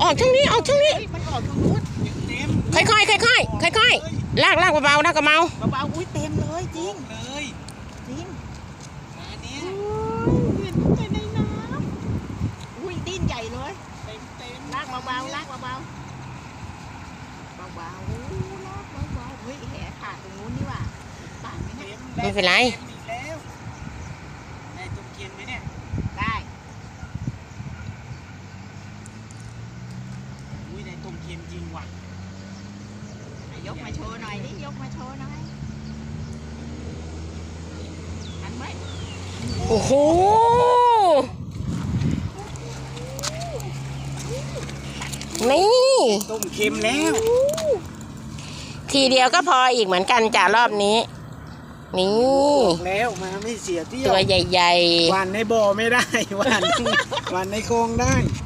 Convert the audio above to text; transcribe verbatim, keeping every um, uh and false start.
ออกช่องนี้ออกช่องนี้มันออกทางนู้นค่อยๆค่อยๆค่อยๆลากลากเบาๆนะกระเมาเบาๆอุ้ยเต็มเลยจริงเลยจริงมาเนี้ยเห็นแต่ในน้ำอุ้ยดิ้นใหญ่เลยเต็มเต็มลากเบาๆลากเบาๆเบาๆเบาๆลากเบาๆเฮ้ยแหขาดตรงนู้นนี่ว่ะป่านไหมเนี่ยไม่เป็นไรได้ตุ้มเค็มไหมเนี่ยได้อุ้ยได้ตุ้มเค็มจริงว่ะยกมาโชว์หน่อยดิยกมาโชว์หน่อยทันไหมโอ้โหนี่ตุ้มเค็มแล้วทีเดียวก็พออีกเหมือนกันจ้ารอบนี้นี่แล้วมาไม่เสียเที่ยวตัวใหญ่ๆวันในบ่อไม่ได้วันวันในคลองได้